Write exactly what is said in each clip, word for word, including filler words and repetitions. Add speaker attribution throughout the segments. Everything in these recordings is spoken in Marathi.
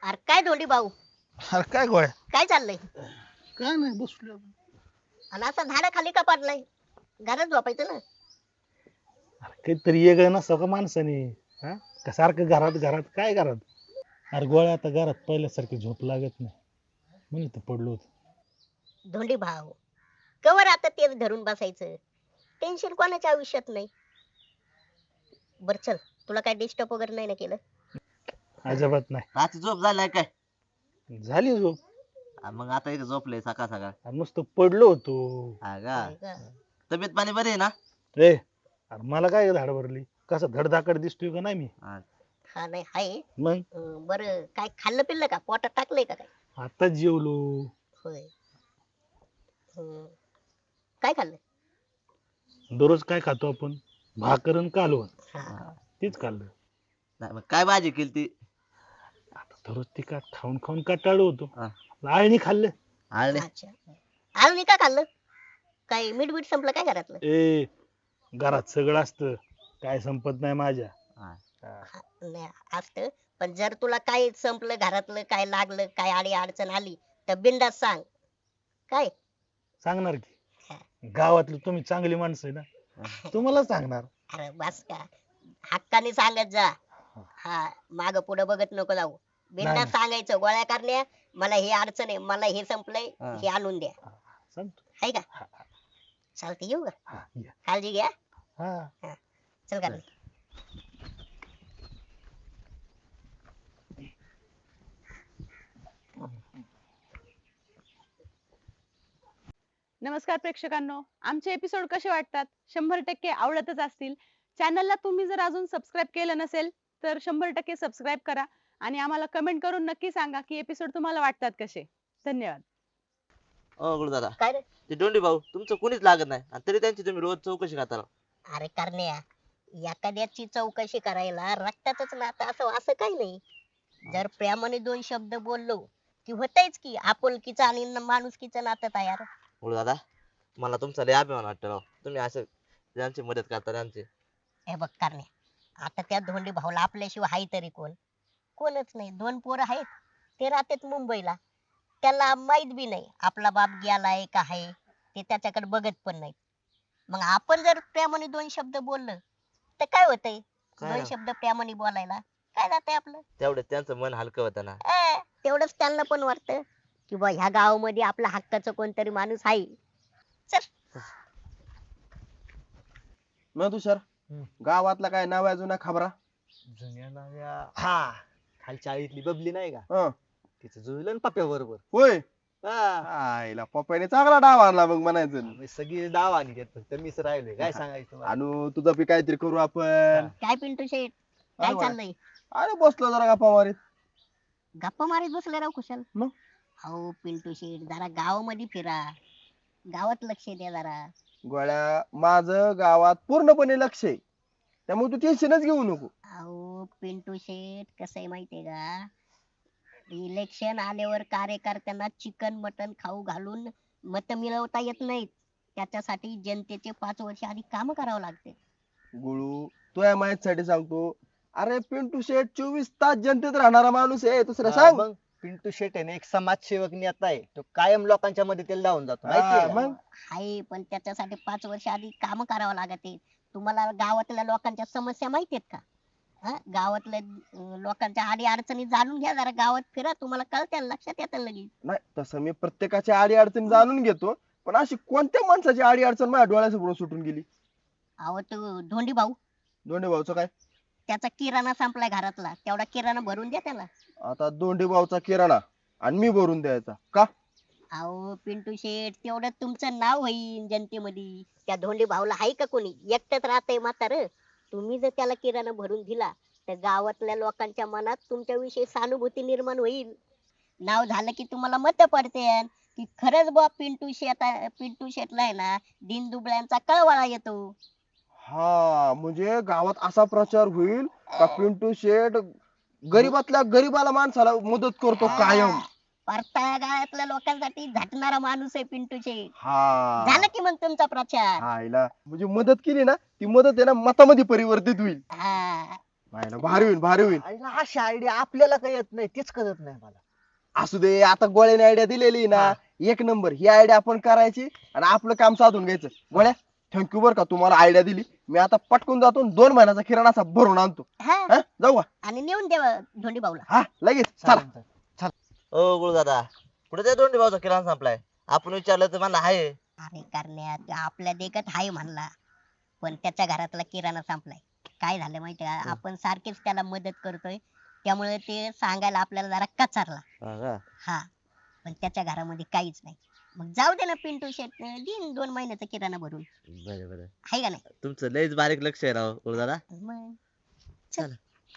Speaker 1: अरे काय धोंडी भाऊ,
Speaker 2: अरे काय गोळ्या.
Speaker 1: काय चाललंय?
Speaker 2: काय नाही बसलो.
Speaker 1: आणि असा झाडा खाली का पडलाय? घरात झोपायचं ना.
Speaker 2: अरे काहीतरी ये ग नसतं का माणसाने. हा का सारखं घरात घरात काय घरात. अरे गोळ्या आता घरात पहिल्यासारखी झोप लागत नाही म्हणून तर पडलो होतो.
Speaker 1: धोंडी भाऊ, कवर आता तेच धरून बसायचं. टेन्शन कोणाच्या आयुष्यात नाही. बर चल, तुला काय डिस्टर्ब वगैरे नाही ना केलं?
Speaker 2: अजिबात नाही.
Speaker 3: रात्री झोप झालाय काय?
Speaker 2: झाली झोप.
Speaker 3: आ, मग आता इथे झोपलंय सकाळ सकाळ.
Speaker 2: अरे नुसतं पडलो होतो.
Speaker 3: हा का?
Speaker 1: होय का?
Speaker 3: तब्येत पाणी बरी आहे ना?
Speaker 2: रे अरे मला काय धाड भरली कसं धडधाकड दिसतोय का नाही मी.
Speaker 3: हा.
Speaker 1: हा नाही आहे.
Speaker 2: मग
Speaker 1: अं, बरं काय खाल्लं पिल्लं का? पोटात टाकलंय का काय?
Speaker 2: आता जेवलो.
Speaker 1: होय. हं. काय खाल्लं?
Speaker 2: दररोज काय खातो आपण भाकर आणि कालवण
Speaker 1: हा.
Speaker 2: तीच खाल्लं.
Speaker 3: नाही, मग काय भाजी केली ती?
Speaker 2: आता दररोज तिखट खाऊन खाऊन कंटाळलो होतो.
Speaker 3: हा.
Speaker 2: आळणी खाल्लं.
Speaker 3: आळणी?
Speaker 1: अच्छा. आळणी का खाल्लं? काय मीठ बीठ संपलं काय घरातलं?
Speaker 2: ए घरात सगळं असतं काय संपत नाही माझ्या.
Speaker 3: हा.
Speaker 2: हा.
Speaker 1: हा, नाही असतं. पण जर तुला काय संपलं घरातलं, काय लागलं, काय आडी अडचण आली तर बिनधास्त सांग. काय?
Speaker 2: सांगणार की
Speaker 1: हा.
Speaker 2: गावातली तुम्ही चांगली माणसं आहे ना तुम्हाला सांगणार.
Speaker 1: अरे बस का, हक्काने सांगत जा. हा, माग पुढे बघत नको जाऊ. बिनधास्त
Speaker 2: नाही.
Speaker 1: सांगायचं, गोळ्या करण्या मला हे अडचण आहे, मला हे संपलंय,
Speaker 3: हा.
Speaker 1: हे आणून द्या.
Speaker 2: सांगतो.
Speaker 1: आहे का?
Speaker 2: हा,
Speaker 1: चालते, येऊ का?
Speaker 2: हा, या.
Speaker 1: काळजी घ्या.
Speaker 2: हा.
Speaker 1: चल का.
Speaker 4: नमस्कार प्रेक्षकांनो, आमचे एपिसोड कसे वाटतात? शंभर टक्के आवडतच असतील. चॅनलला तुम्ही जर अजून सबस्क्राईब केलं नसेल तर शंभर टक्के सबस्क्राईब करा आणि आम्हाला कमेंट करून नक्की सांगा की एपिसोड तुम्हाला वाटतात कसे. धन्यवाद.
Speaker 3: ओ गुरु दादा,
Speaker 1: काय रे?
Speaker 3: ते दोंडी भाऊ तुमचं कुणीच लागत नाही आणि तरी त्यांची तुम्ही रोज चौकशी करता.
Speaker 1: अरे करण्या, एखाद्याची चौकशी करायला रक्तातच नातं असं असं काही नाही. जर प्रेमाने दोन शब्द बोललो की होतच की आपुलकीचं आणि न- माणुसकीचं नातं तयार.
Speaker 3: गुरु दादा, मला तुमचा लय अभिमान वाटतो राव. तुम्ही असं त्यांची मदत करता त्यांची.
Speaker 1: हे बघ करण्या, आता त्या धोंडी भाऊला आपल्याशिवाय हाय तरी कोण? कोणच नाही. दोन पोरं आहेत, ते राहतात मुंबईला. त्याला माहित बी नाही आपला बाप गेलाय का आहे, ते त्याच्याकडे बघत पण नाही. मग आपण जर प्रेमाने दोन शब्द बोललं तर काय होतंय?
Speaker 3: काय
Speaker 1: दोन
Speaker 3: ना?
Speaker 1: शब्द प्रेमाने बोलायला काय जातंय आपलं?
Speaker 3: तेवढं त्यांचं मन हलकं होतं ना.
Speaker 1: ए, तेवढंच त्यांना पण वाटतं की बा ह्या गावामध्ये आपल्या हक्काचं कोणतरी माणूस आहे. चल.
Speaker 5: मग तुषार
Speaker 2: हम्म.
Speaker 5: गावातला काय नाव जुना खबरा?
Speaker 6: जुन्या नव्या हा खालच्या आळीतली बबली नाही का,
Speaker 5: हं.
Speaker 6: तिचं जुळलं ना पप्या बरोबर.
Speaker 5: होय.
Speaker 6: हा
Speaker 5: आईला पप्पाने चांगला डाव आणला मग म्हणायचं.
Speaker 6: आम्ही सगळी डाव आणि देत फक्त मीच राहिलोय. काय सांगायचं तुम्हाला?
Speaker 5: आणू तुझं बी काहीतरी करू आपण.
Speaker 1: काय पिंटू शेठ, काय
Speaker 5: अरे वा.
Speaker 1: चाललंय?
Speaker 5: अरे बसलो जरा गप्पा मारीत.
Speaker 1: गप्पा मारीत बसले राव कुशल.
Speaker 5: मग?
Speaker 1: अहो पिंटू शेठ, जरा गावामध्ये फिरा, गावात लक्ष द्या जरा.
Speaker 5: गोळ्या माझं गावात पूर्णपणे लक्ष आहे, त्यामुळे तू टेन्शनच घेऊ नको.
Speaker 1: अहो पिंटू शेठ, कसं आहे माहितीये का, इलेक्शन आल्यावर कार्यकर्त्यांना चिकन मटन खाऊ घालून मत मिळवता येत नाहीत. त्याच्यासाठी जनतेचे पाच वर्ष आधी काम करावं लागते.
Speaker 5: गुळू तुझ्या माहितीसाठी सांगतो. अरे पिंटू शेठ चोवीस तास जनतेत राहणारा माणूस आहे, दुसरं
Speaker 6: हा,
Speaker 5: सांग.
Speaker 6: मग पिंटू शेट आहे ना एक समाजसेवक नेता आहे. तो कायम लोकांच्या मदतीला धावून जातो
Speaker 5: हा,
Speaker 6: माहितीये का?
Speaker 5: मग
Speaker 1: हाय, पण त्याच्यासाठी पाच वर्ष आधी काम करावं लागते. तुम्हाला गावातल्या लोकांच्या समस्या माहिती आहेत का? हा, गावातल्या अं, लोकांच्या आडी अडचणी जाणून घ्या जरा, गावात फिरा, तुम्हाला कळत्या, लक्षात येतं लगेच.
Speaker 5: नाही तसं मी प्रत्येकाच्या आडी अडचणी जाणून घेतो, पण अशी कोणत्या माणसाची आडी अडचण माझ्या डोळ्यासमोर सुटून गेली?
Speaker 1: अहो तो धोंडी भाऊ,
Speaker 5: दोंडे भाऊचं काय?
Speaker 1: त्याचा किराणा संपलाय घरातला, तेवढा किराणा भरून द्या त्याला.
Speaker 5: आता दोंडे भाऊचा किराणा आणि मी भरून द्यायचा का?
Speaker 1: अहो पिंटू शेठ, तेवढं तुमचं नाव होईल जनतेमध्ये. त्या धोंडी भाऊला आहे का कोणी? एकटंच राहतंय म्हातारं. तुम्ही जर त्याला किराणा भरून दिला तर गावातल्या लोकांच्या मनात तुमच्याविषयी सहानुभूती निर्माण होईल. नाव झालं की तुम्हाला मत पडते की खरंच बा पिंटू शेट पिंटू शेटला आहे ना दिनदुबळ्यांचा कळवळा येतो.
Speaker 5: हा म्हणजे गावात असा प्रचार होईल का पिंटू शेठ गरीबातल्या गरीबाला माणसाला मदत करतो कायम.
Speaker 1: परता गावातल्या लोकांसाठी झटणारा माणूस आहे पिंटू शेट.
Speaker 5: हा
Speaker 1: झालं की मग तुमचा प्रचार.
Speaker 5: आईला म्हणजे मदत केली ना, ती मदत आहे ना मतामध्ये परिवर्तित होईल.
Speaker 1: हा,
Speaker 5: नाही ना, भारी होईल भारी होईल.
Speaker 6: आईला अशी आयडिया आपल्याला काही येत नाही तेच कळत नाही मला.
Speaker 5: असू दे, आता गोळ्याने आयडिया दिलेली ना, एक नंबर. ही आयडिया आपण करायची आणि आपलं काम साधून घ्यायचं. गोळ्या, थँक्यू बर का, तुम्हाला आयडिया दिली. मी आता पटकून जातो आणि दोन महिन्याचा किराणा असा भरून आणतो.
Speaker 1: हा
Speaker 5: हा, जाऊ का?
Speaker 1: आणि नेऊन देवा धोंडी भाऊला.
Speaker 5: हा, लगेच चला.
Speaker 6: चालेल, चालेल.
Speaker 3: ओ गुरु दादा, पुढे त्या दोंडी भाऊचा किराणा संपलाय. आपण विचारलं तर मला आहे.
Speaker 1: अरे करण्यात आपल्या देखत हाय म्हणला, पण त्याच्या घरातला किराणा संपलाय. काय झालं माहितीये का, आपण सारखेच त्याला मदत करतोय, त्यामुळे ते सांगायला आपल्याला जरा कचारला.
Speaker 3: हा का?
Speaker 1: हा, पण त्याच्या घरामध्ये काहीच नाही. मग जाऊ दे ना, पिंटू शेट देईन दोन महिन्याचा किराणा भरून.
Speaker 3: बरं बरं,
Speaker 1: हाय का नाही?
Speaker 3: तुमचं लयच बारीक लक्ष आहे राव गुरु दादा.
Speaker 1: मग
Speaker 3: चला.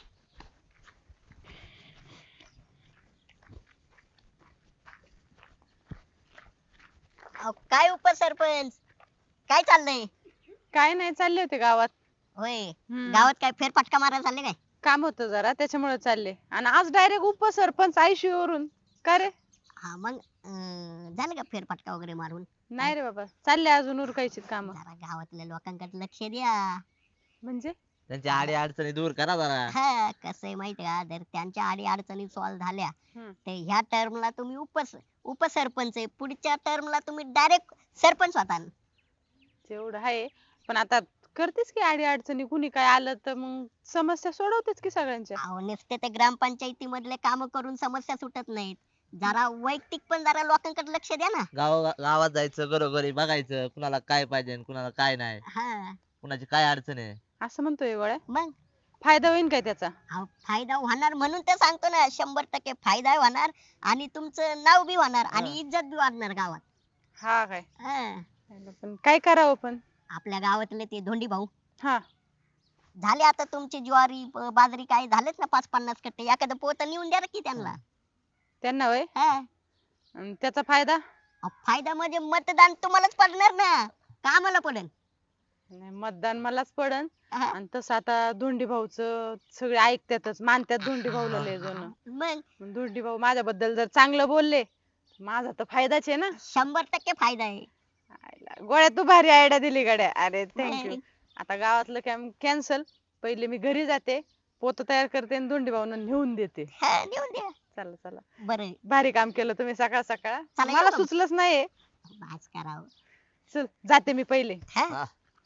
Speaker 1: अहो, काय उपसरपंच, काय चाललंय?
Speaker 4: काय नाही, चालले होते गावात.
Speaker 1: होय,
Speaker 4: हम्म.
Speaker 1: गावात काय फेरफटका मारायला चालले काय?
Speaker 4: काम होतं जरा त्याच्यामुळे चालले. आणि आज डायरेक्ट उपसरपंच आयशीयू वरून. का रे?
Speaker 1: हा मग अं, झालं का फेरफटका वगैरे मारून?
Speaker 4: नाही रे बाबा, चालले अजून उरकायची काम.
Speaker 1: जरा गावातल्या लोकांकडे लक्ष द्या.
Speaker 4: म्हणजे
Speaker 3: त्यांच्या आडी अडचणी दूर करा जरा.
Speaker 1: हा, कसं आहे माहिती का, जर त्यांच्या आडी अडचणी सॉल्व्ह झाल्या
Speaker 4: हम्म.
Speaker 1: तर ह्या टर्मला तुम्ही उपस उपसरपंच आहे, पुढच्या टर्मला तुम्ही डायरेक्ट सरपंच होता.
Speaker 4: तेवढं आहे, पण आता करतेच की आडी अडचणी, कुणी काय आलं तर मग समस्या सोडवतेच की सगळ्यांच्या.
Speaker 1: अहो, नुसते ते ग्रामपंचायती मधले काम करून समस्या सुटत नाहीत. जरा वैयक्तिक पण जरा लोकांकडे लक्ष द्या ना.
Speaker 3: गाव गावात जायचं, घरोघरी बघायचं, कुणाला काय पाहिजे आणि कुणाला काय नाही,
Speaker 1: हा
Speaker 3: कुणाची काय अडचण आहे.
Speaker 4: असं म्हणतोय गोळ्या.
Speaker 1: मग
Speaker 4: फायदा होईल काय त्याचा?
Speaker 1: अहो, फायदा होणार म्हणून तर सांगतो ना, शंभर टक्के फायदा होणार. आणि तुमचं नाव बी होणार आणि इज्जत बी वाढणार गावात.
Speaker 4: हा काय?
Speaker 1: हा.
Speaker 4: पण काय करावं पण?
Speaker 1: आपल्या गावातले ते धोंडी भाऊ
Speaker 4: हा,
Speaker 1: झाले आता तुमची ज्वारी ब- बाजरी काय झालेत ना, पाच पन्नास कट्टे एखादं पोत नेऊन द्या ना की त्यांना.
Speaker 4: त्यांना वय
Speaker 1: हा.
Speaker 4: त्याचा फायदा?
Speaker 1: अहो, फायदा म्हणजे मतदान तुम्हालाच पडणार ना, का आम्हाला पडेल?
Speaker 4: नाही, मतदान मलाच पडन.
Speaker 1: हा.
Speaker 4: आणि तसं आता धोंडी भाऊचं सगळे ऐकतातच, मानतात धोंडी भाऊला लय जण.
Speaker 1: मग
Speaker 4: मग धोंडी भाऊ माझ्याबद्दल जर चांगलं बोलले, माझा तर फायदाच आहे ना.
Speaker 1: शंभर टक्के फायदा आहे.
Speaker 4: आयला, गोळ्या तू भारी आयडिया दिली गड्या. अरे थँक्यू.
Speaker 1: नाही.
Speaker 4: आता गावातलं काम कॅन्सल. पहिले मी घरी जाते, पोत तयार करते आणि धोंडी भाऊंना नेऊन देते.
Speaker 1: हा, नेऊन द्या.
Speaker 4: चला चला,
Speaker 1: बरं,
Speaker 4: भारी काम केलं तुम्ही सकाळ सकाळ.
Speaker 1: चला,
Speaker 4: मला
Speaker 1: येऊ का मग?
Speaker 4: सुचलंच नाहीये.
Speaker 1: बास करावं.
Speaker 4: चल जाते मी पहिले.
Speaker 1: हा?
Speaker 3: हा.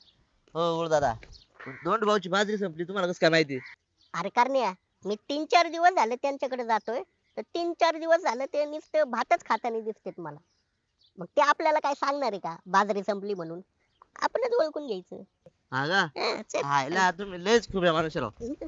Speaker 3: हो गुरु दादा, दोंड भाऊची बाजरी संपली, तुम्हाला कसं काय माहिती?
Speaker 1: अरे करण्या, मी तीन चार दिवस झाले त्यांच्याकडे जातोय, तर तीन चार दिवस झाले ते नुसतं भातच खाताना दिसतेत मला. मग ते आपल्याला काय सांगणार आहे का बाजरी संपली म्हणून? आपणच ओळखून घ्यायचं.
Speaker 3: हा का?
Speaker 1: हा, चल.
Speaker 3: हायला तुम्ही लयच खूप आहे माणूस राव.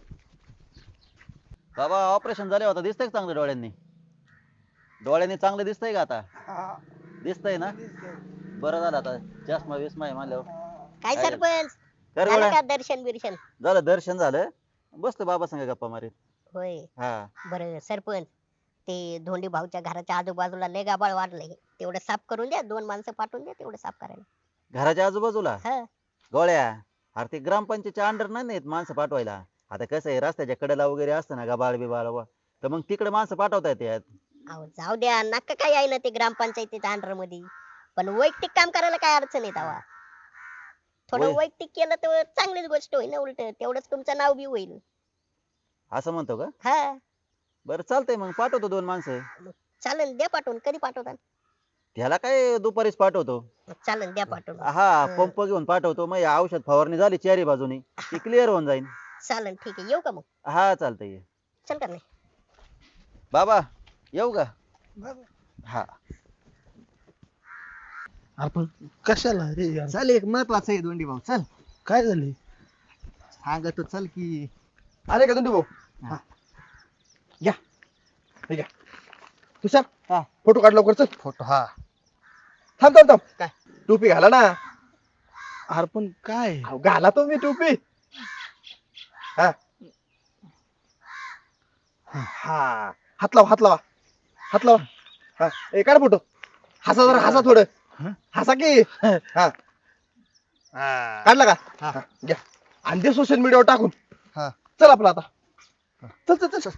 Speaker 7: बाबा ऑपरेशन झाले होता, दिसतंय का चांगलं डोळ्यांनी? डोळ्यांनी चांगलं दिसतंय का आता? दिसतंय ना? बरं झालं आता, चष्मा विस्मा आहे म्हणल्यावर.
Speaker 1: काय
Speaker 7: काय
Speaker 1: सरपंच,
Speaker 7: कर
Speaker 1: झालं
Speaker 7: गोळ्या.
Speaker 1: का दर्शन बिर्शन?
Speaker 7: झालं दर्शन झालं, बसतो बाबा संग गप्पा मारीत.
Speaker 1: होय.
Speaker 7: हा,
Speaker 1: बरं सरपंच, ते धोंडी भाऊच्या घराच्या आजूबाजूला लय गाबाळ वाढलंय, तेवढं साफ करून द्या. दोन माणसं पाठवून द्या तेवढं साफ करायला.
Speaker 7: घराच्या आजूबाजूला
Speaker 1: हा.
Speaker 7: गोळ्या, अरे ते ग्रामपंचायतच्या अंडर नाही नाहीत माणसं पाठवायला. आता कसं आहे, रस्त्याच्या कडेला वगैरे असतं ना गबाळ बिबाळ व, तर मग तिकडे माणसं पाठवता येतात.
Speaker 1: अहो जाऊ द्या, नका काय आहे ना ते ग्रामपंचायतीच्या अंडर मध्ये, पण वैयक्तिक काम करायला काय अडचण आहे तेव्हा? थोडं
Speaker 7: वै-
Speaker 1: वैयक्तिक केलं तर चांगलीच गोष्ट होईल ना, उलट तेवढंच तुमचं नाव बी होईल.
Speaker 7: असं म्हणतो का?
Speaker 1: हा,
Speaker 7: बरं चालतंय, मग पाठवतो दोन माणसं.
Speaker 1: चालन, द्या पाठवून. कधी पाठवता?
Speaker 7: त्याला काय दुपारीच पाठवतो.
Speaker 1: चालन, द्या पाठवून.
Speaker 7: हा, पंप घेऊन पाठवतो, मग औषध फवारणी झाली चारी बाजूनी ती क्लिअर होऊन जाईल.
Speaker 1: चालन, ठीक आहे. येऊ का मग?
Speaker 7: हा चालतंय.
Speaker 1: चल का नाही?
Speaker 7: बाबा येऊ का? हा,
Speaker 2: आपण कशाला रे यार?
Speaker 6: चल, एक महत्वाचं आहे धोंडी भाऊ, चल
Speaker 2: काय झाले?
Speaker 6: सांगतो, चल की.
Speaker 5: आले का तुम्ही भाऊ?
Speaker 6: हा.
Speaker 5: घ्या, हे घ्या. तुषार,
Speaker 6: हा.
Speaker 5: फोटो काढ लवकर, चल.
Speaker 6: फोटो? हा.
Speaker 5: थांब थांब थांब.
Speaker 6: काय?
Speaker 5: टोपी घाला ना.
Speaker 2: अरे पण काय?
Speaker 5: अहो, घाला तुम्ही टोपी. हा हा, हात लावा, हात लावा, हात लावा. हा, ए काढ फोटो. हसा जरा, हसा थोडं.
Speaker 2: हा?
Speaker 5: हसा की. हा, काढला का? हा, घ्या. आणि ते सोशल मीडियावर टाकून.
Speaker 6: हा.
Speaker 5: चल आपला आता. चल चल चल चल.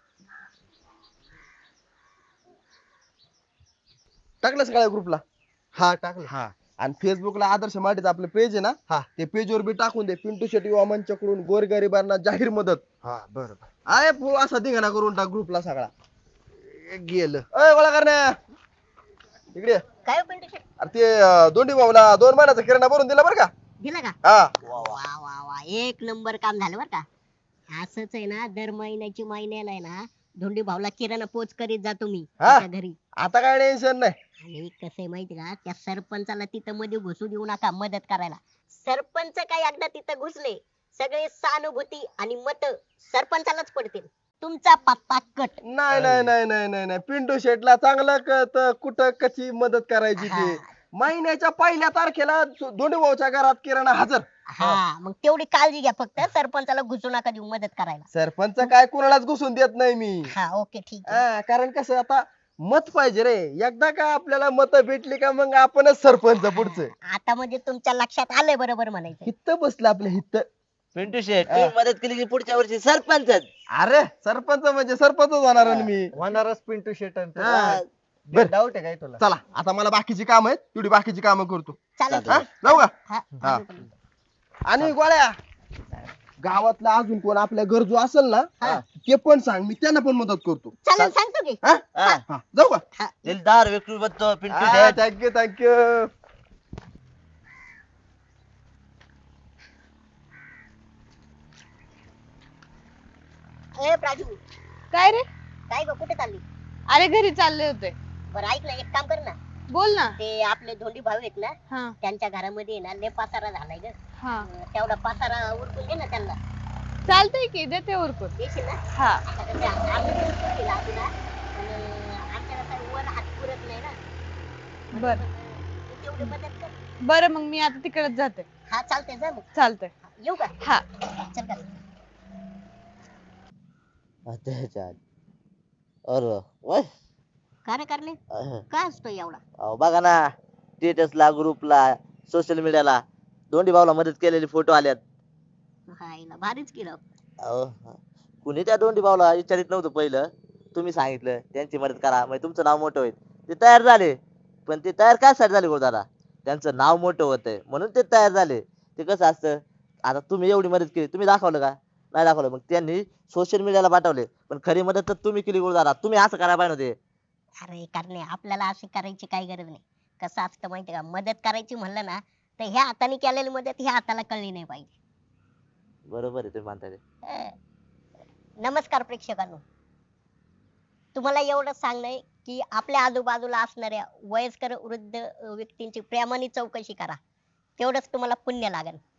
Speaker 5: टाकलं सगळ्या ग्रुपला. हा टाकलं
Speaker 6: हा
Speaker 5: आणि फेसबुकला आदर्श मराठीचं आपलं पेज आहे ना
Speaker 6: हा.
Speaker 5: ते पेजवर बी टाकून दे. पिंटू शेट्टी युवा मंचकडून गोरगरिबांना जाहीर मदत.
Speaker 6: हा बरोबर
Speaker 5: आहे पो असा धिंगाणा करून टाक ग्रुपला सगळा.
Speaker 6: गेलं
Speaker 5: अय गोळा करण्या इकडे ये.
Speaker 1: काय हो पिंटू शेट
Speaker 5: अरे ते अं, दोंडी भाऊला दोन महिन्याचा किराणा भरून दिला बरं का.
Speaker 1: दिला का
Speaker 5: हा
Speaker 1: वा वा वा एक नंबर काम झालं बर का. असंच आहे ना दर महिन्याची महिन्याला आहे ना धोंडी भाऊला किराणा पोच करीत जातो मी
Speaker 5: हा?
Speaker 1: त्याच्या घरी.
Speaker 5: आता काय टेन्शन नाही.
Speaker 1: आणि कसं आहे माहिती का त्या सरपंचाला तिथं मध्ये घुसू देऊ नका मदत करायला. सरपंच काय एकदा तिथं घुसले सगळे सहानुभूती आणि मत सरपंचालाच पडतील. तुमचा पत्ता कट.
Speaker 5: नाही नाही नाही नाही नाही नाही पिंटू शेटला चांगलं कळत कुठं कशी मदत करायची
Speaker 1: हा.
Speaker 5: ते. महिन्याच्या पहिल्या तारखेला धोंडी भाऊच्या घरात किराणा हजर.
Speaker 1: हा मग तेवढी काळजी घ्या फक्त सरपंचाला घुसू नका देऊ मदत करायला.
Speaker 5: सरपंच काय कुणालाच घुसून देत नाही मी.
Speaker 1: हा ओके ठीक आहे.
Speaker 5: हा, कारण कसं आता मत पाहिजे रे. एकदा का आपल्याला मत भेटली का मग आपणच सरपंच पुढचं.
Speaker 1: आता म्हणजे तुमच्या लक्षात आलंय बरोबर म्हणायचं.
Speaker 5: हित्त बसलं आपलं हित्त.
Speaker 3: पिंटू शेट तुम्ही मदत केली की पुढच्या वर्षी सरपंचच.
Speaker 5: अरे सरपंच म्हणजे सरपंच होणार आहे मी.
Speaker 6: होणारच पिंटू शेटन
Speaker 5: हा. बर.
Speaker 6: डाऊट आहे काय तुला
Speaker 5: चला आता मला बाकीची काम आहेत तेवढी बाकीची कामं करतो.
Speaker 1: चालेल
Speaker 5: हा जाऊ का.
Speaker 1: हा,
Speaker 5: हा.
Speaker 1: चालेल.
Speaker 5: आणि गोळ्या गावातला अजून कोण आपल्या गरजू असेल ना
Speaker 1: हा.
Speaker 5: ते पण सांग मी त्यांना पण मदत करतो.
Speaker 1: चालेल सांगतो की.
Speaker 5: हा?
Speaker 3: हा.
Speaker 5: हा, जाऊ का.
Speaker 3: दिलदार व्यक्तिमत्व पिंटू शेट.
Speaker 5: Thank you thank you.
Speaker 1: ए प्राजू
Speaker 4: काय रे
Speaker 1: काय ग कुठे चालली.
Speaker 4: अरे घरी चालले होते.
Speaker 1: बरं ऐक ना एक काम कर ना
Speaker 4: बोल ना.
Speaker 1: ते आपले धोंडी भाऊ आहेत ना
Speaker 4: हा
Speaker 1: त्यांच्या घरामध्ये आहे ना लय पसारा झालाय ग.
Speaker 4: हा
Speaker 1: अं, तेवढा पसारा उरकून दे ना त्यांना.
Speaker 4: चालतंय की देते उरकून.
Speaker 1: देशील ना.
Speaker 4: हा
Speaker 1: आता कसं आहे, आम्ही पण उरकून दिला अजून हा. पण अं, आमच्या कसं वर हात पुरत नाही ना.
Speaker 4: बर
Speaker 1: तू तेवढी मदत कर.
Speaker 4: बरं मग मी आता तिकडेच जाते.
Speaker 1: हा चालतंय जा मग
Speaker 4: चालतंय.
Speaker 1: येऊ का.
Speaker 4: हा
Speaker 1: चल का.
Speaker 3: अच्छा अरे वय
Speaker 1: का रे करणे
Speaker 3: अह.
Speaker 1: काय असतो एवढा.
Speaker 3: अहो बघा ना स्टेटसला ग्रुपला सोशल मीडियाला दोंडी भाऊला मदत केलेले फोटो आल्यात.
Speaker 1: हायला भारीच केलं.
Speaker 3: अहो, कुणी त्या दोंडी भाऊला विचारित नव्हतं पहिलं. तुम्ही सांगितलं त्यांची मदत करा म्हणजे तुमचं नाव मोठं होईल. ते तयार झाले पण ते तयार काय साठी झाले दादा त्यांचं नाव मोठं होतंय म्हणून ते तयार झाले. ते कसं असतं आता तुम्ही एवढी मदत केली तुम्ही दाखवलं का नाही दाखवलं मग त्यांनी सोशल मीडियाला पाठवले पण खरी मदत तर तुम्ही केली दादा. तुम्ही असं करायला पाहिजे होते.
Speaker 1: अरे करणे आपल्याला अशी करायची काही गरज नाही. कसं असतं माहिती का मदत करायची म्हणलं ना तर ह्या हाताने केलेली मदत ह्या हाताला कळली नाही पाहिजे.
Speaker 3: बरोबर आहे तुम्ही म्हणताय ते.
Speaker 1: अं, नमस्कार प्रेक्षकांनो. तुम्हाला एवढं सांगणं आहे की आपल्या आजूबाजूला असणाऱ्या वयस्कर वृद्ध अं, व्यक्तींची प्रेमाने चौकशी करा. तेवढंच तुम्हाला पुण्य लागेल.